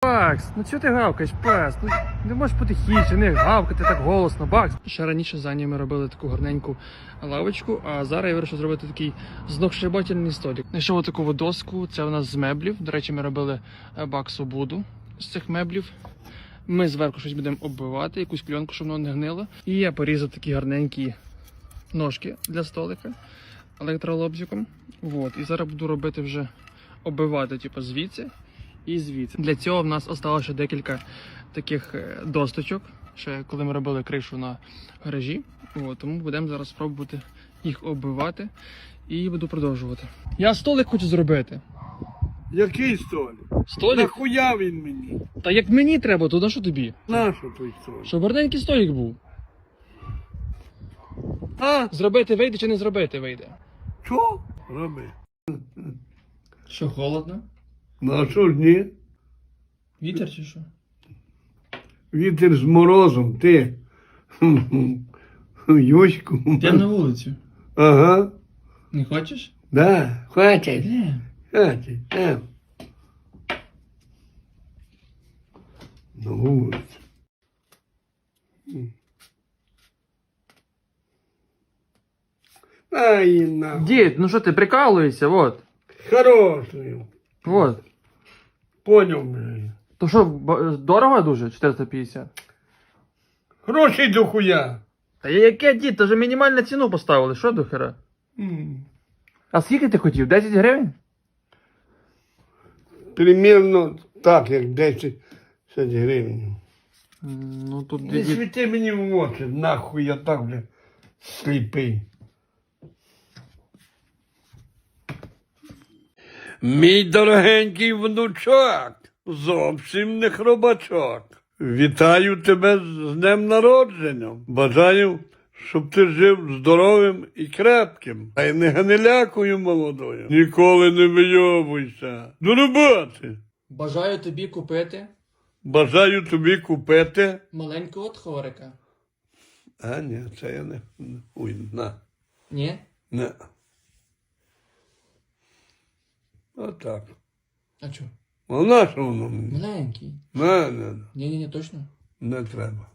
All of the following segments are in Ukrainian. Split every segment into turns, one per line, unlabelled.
Бакс, ну чого ти гавкаєш, пес? Ну не можеш потихіше, не гавкати так голосно, Бакс. Ще раніше за ними робили таку гарненьку лавочку, а зараз я вирішив зробити такий знохшибательний столик. Знайшов таку доску, це у нас з меблів. До речі, ми робили Баксу буду з цих меблів. Ми зверху щось будемо оббивати, якусь кльонку, щоб воно не гнило. І я порізав такі гарненькі ножки для столика електролобзиком. Вот. І зараз буду робити вже оббивати, типу, звідси і звідси. Для цього в нас залишилося ще декілька таких досточок, ще коли ми робили кришу на гаражі. От, тому будемо зараз спробувати їх оббивати і буду продовжувати. Я столик хочу зробити.
Який столик?
Столик?
Нахуя він мені?
Та як мені треба, то на що тобі?
Нащо той столик?
Щоб гарненький столик був.
А?
Зробити вийде чи не зробити вийде?
Що? Роби.
Що, холодно?
Ну а що ж ні?
Вітер чи що?
Вітер з морозом, ти. Юську.
Йдемо на вулицю.
Ага.
Не хочеш?
Да, хватить.
Йдемо.
Хватить. На вулицю. Ай, нахуй.
Дід, ну що ти прикалуєшся, вот.
Хороший.
Вот.
Поняв, блядь.
То що, дорого дуже? 450?
Грошей до хуя.
Та яке, дід, то вже мінімальну ціну поставили, що до хера? А скільки ти хотів? 10 гривень?
Примірно так, як 10 гривень.
Ну тут
Не
дід...
світи мені в очі, нахуй я так вже сліпий. Мій дорогенький внучок, зовсім не хробачок. Вітаю тебе з днем народження. Бажаю, щоб ти жив здоровим і крепким. А й не гнилякою молодою. Ніколи не вийобуйся. До роботи.
Бажаю тобі купити
Бажаю тобі купити.
маленького тхорика.
А, ні, це я не. Ой, на.
Ні?
Не. Отак.
А чо?
А на що воно мені?
Маленький.
Не.
Ні, точно.
Не треба.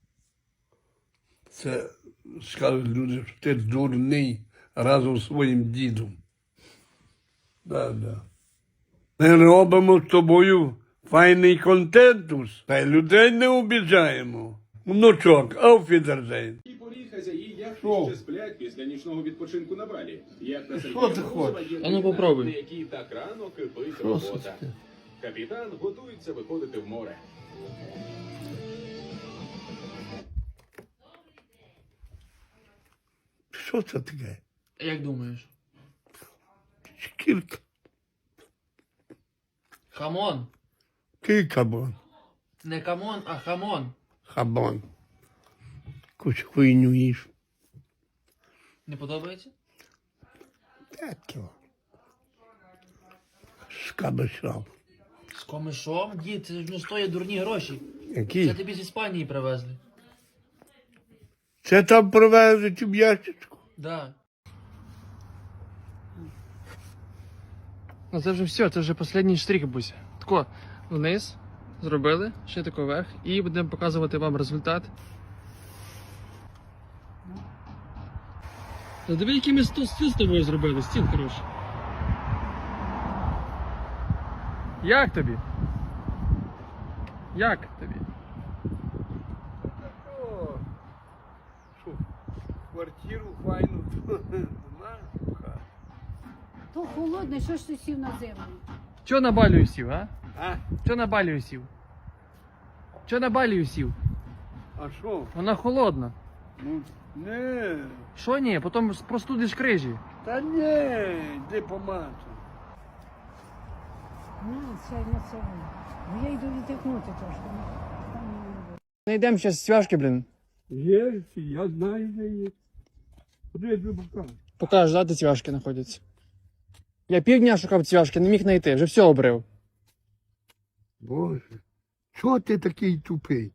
Це скажуть люди, що ти дурний разом з своїм дідом. Да. Ми робимо з тобою файний контентус, та й людей не обіжаємо. Внучок, ауфідерзейн.
І порій хазяї яхти
Що?
ще сплять після нічного відпочинку на Балі. Яхта
Що ти хочеш?
є
А ну, попробуй.
на якій так рано кипить
Що
робота.
це таке?
Капітан готується виходити в море.
Що це таке?
Як думаєш?
Шкірка.
Хамон.
Кикабон.
Не камон, а хамон.
Хабон. Якусь хуйню їж.
Не подобається?
Так його. З кабачом.
З комишом? Дід, це ж не стоїть дурні гроші. Це
Який?
тобі з Іспанії привезли.
Це там привезуть в ящичку.
Да. Ну це вже все, це вже останній штрих, Буся. Тако, вниз зробили, ще тако вверх, і будемо показувати вам результат. Та диви, який ми стіл з тобою зробили, стіл хороший. Як тобі? Як тобі?
О, що, квартиру файну знаєш?
То холодно, що ж ти сів на землю?
Чого на балію сів, а?
А?
Чого на балію сів? Чого на балію сів?
А що?
Вона холодна.
Ну, не.
Що ні? Потім простудиш крижі.
Та не, йди помацай.
На, сядь на це. Бо я йду віддихнути трошки. Там не буде.
Не йдемо зараз свяжки, блін.
Є, я знаю, де є. Куди я тобі покажу?
Покажеш, да, де цвяшки знаходяться. Я півдня шукав цвяшки, не міг знайти, вже все обрив.
Боже, чого ти такий тупий?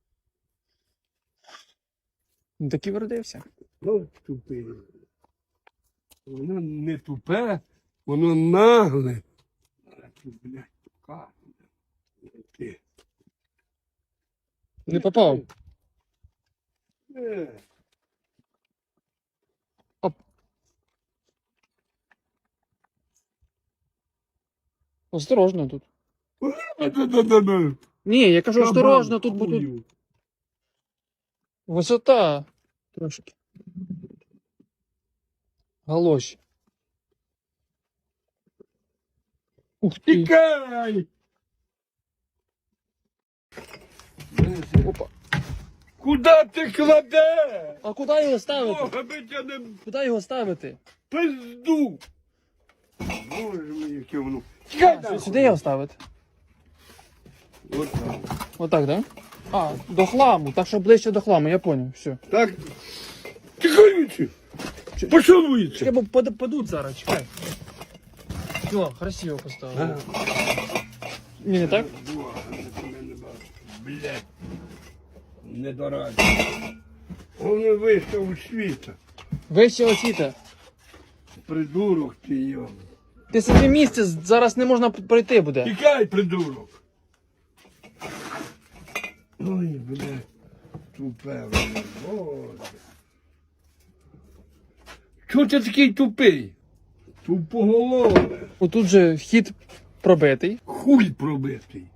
Ну такий вродився.
Ну, тупий. Воно не тупе, воно нагле. А ти, блядь, покажу. ти.
Не попав.
Е.
Осторожно тут.
Да-да-да-да.
Ні, я кажу, осторожно тут, бо тут
Хую.
висота. Трошки. Галоші. Ух ти.
Тікай!
Опа.
Куда ти кладеш?
А куди його ставити?
Бога би тебе не
Куди його ставити?
пизду. Боже мій, яке воно. Тікай нахуй.
Сюди його ставити.
От так.
Отак, да? А, до хламу, так що ближче до хламу, я поняв, все.
Так. Тікай віці. Пішов віці.
Чекай, бо падуть зараз, чекай. Все, красиво поставили. Ні, не так?
Блядь. Недораді. Он вийшов у світа.
Вище освіта.
Придурок ти його.
Ти собі місце зараз не можна пройти буде.
Тікай, придурок. Ой, блядь. Тупе, блядь. Боже. Чого ти такий тупий? Тупоголове.
Отут же вхід пробитий.
Хуй пробитий.